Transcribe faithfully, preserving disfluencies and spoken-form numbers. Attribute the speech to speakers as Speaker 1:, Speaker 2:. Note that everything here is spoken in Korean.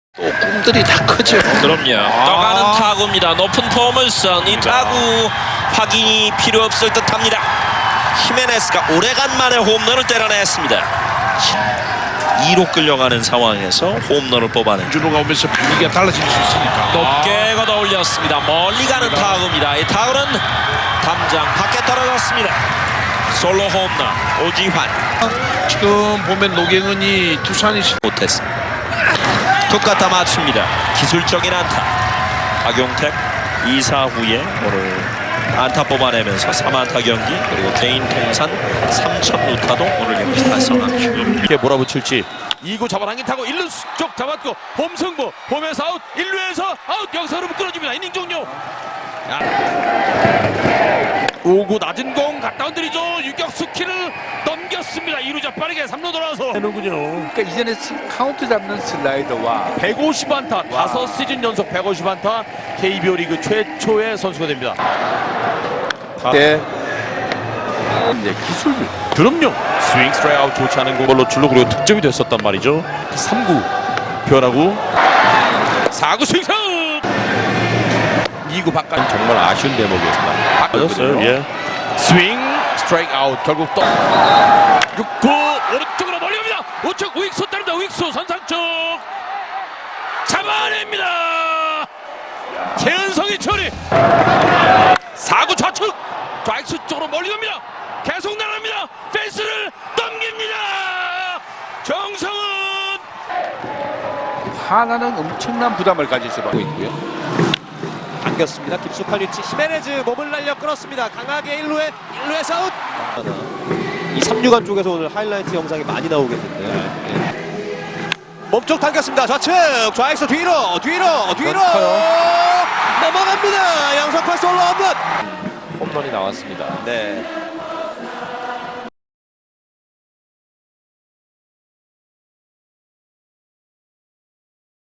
Speaker 1: 또 꿈들이 다 크죠.
Speaker 2: 그럼요.
Speaker 1: 아.
Speaker 2: 떠가는 타구입니다. 높은 포물선. 이 타구 확인이 필요 없을 듯합니다. 히메네스가 오래간만에 홈런을 때려냈습니다. 이 루 끌려가는 상황에서 홈런을 뽑아낸
Speaker 1: 주로가 오면서 분위기가 달라질 수 있으니까.
Speaker 2: 높게 걷어 올렸습니다. 멀리 가는 타구입니다. 이 타구는 담장 밖에 떨어졌습니다. 솔로 홈런 오지환
Speaker 1: 지금 보면 노경은이 두산이
Speaker 2: 못했습니다. 툭 갖다 맞춥니다. 기술적인 안타. 박용택 이 사 후에 오늘 안타 뽑아내면서 삼 안타 경기, 그리고 개인 통산 삼천 루타도 오늘 경기 달성합니다.
Speaker 3: 이렇게 몰아붙일지. 이 구 잡아당긴 타고 일 루 쪽 잡았고 홈승부, 홈에서 아웃, 일 루에서 아웃. 여기서 름 끊어집니다. 이닝 종료. 오 구 낮은 공 갖다 얹으리죠. 유격수 키를 넘겼습니다. 이 루자 빠르게 삼 루 돌아서 되는군요.
Speaker 4: 그러니까 이전에 스- 카운트 잡는 슬라이더와
Speaker 3: 백오십 안타, 다섯 시즌 연속 백오십 안타, 케이비오 리그 최초의 선수가 됩니다.
Speaker 4: 때 이제 기술
Speaker 3: 그럼요. 스윙 스트라이크 아웃 좋지 않은 걸로 줄로 그리고 득점이 됐었단 말이죠. 삼 구 변하고 사 구 스윙 스윙. 이 구 바깥 정말 아쉬운 대목이었습니다.
Speaker 4: 바꿨어요.
Speaker 3: 예. 스윙 스트라이크 아웃. 결국 또 육 구 오른쪽으로 멀리 갑니다. 우측 우익수 따릅니다. 우익수 선상 쪽 잡아냅니다. 최은성의 처리. 사 구 좌측 좌익수 쪽으로 멀리 갑니다. 계속 날아갑니다. 펜스를 넘깁니다. 정성은
Speaker 4: 하나는 엄청난 부담을 가질 수밖에 있고요.
Speaker 5: 당겼습니다. 깊숙한 위치 히메네즈 몸을 날려 끌었습니다. 강하게 일 루에 일 루에서 아웃. 이 삼루간 쪽에서 오늘 하이라이트 영상이 많이 나오겠는데. 네. 몸쪽 당겼습니다. 좌측 좌익수 뒤로 뒤로 뒤로 넘어갑니다. 양석환 솔로 홈런.
Speaker 4: 홈런이 나왔습니다.
Speaker 5: 네.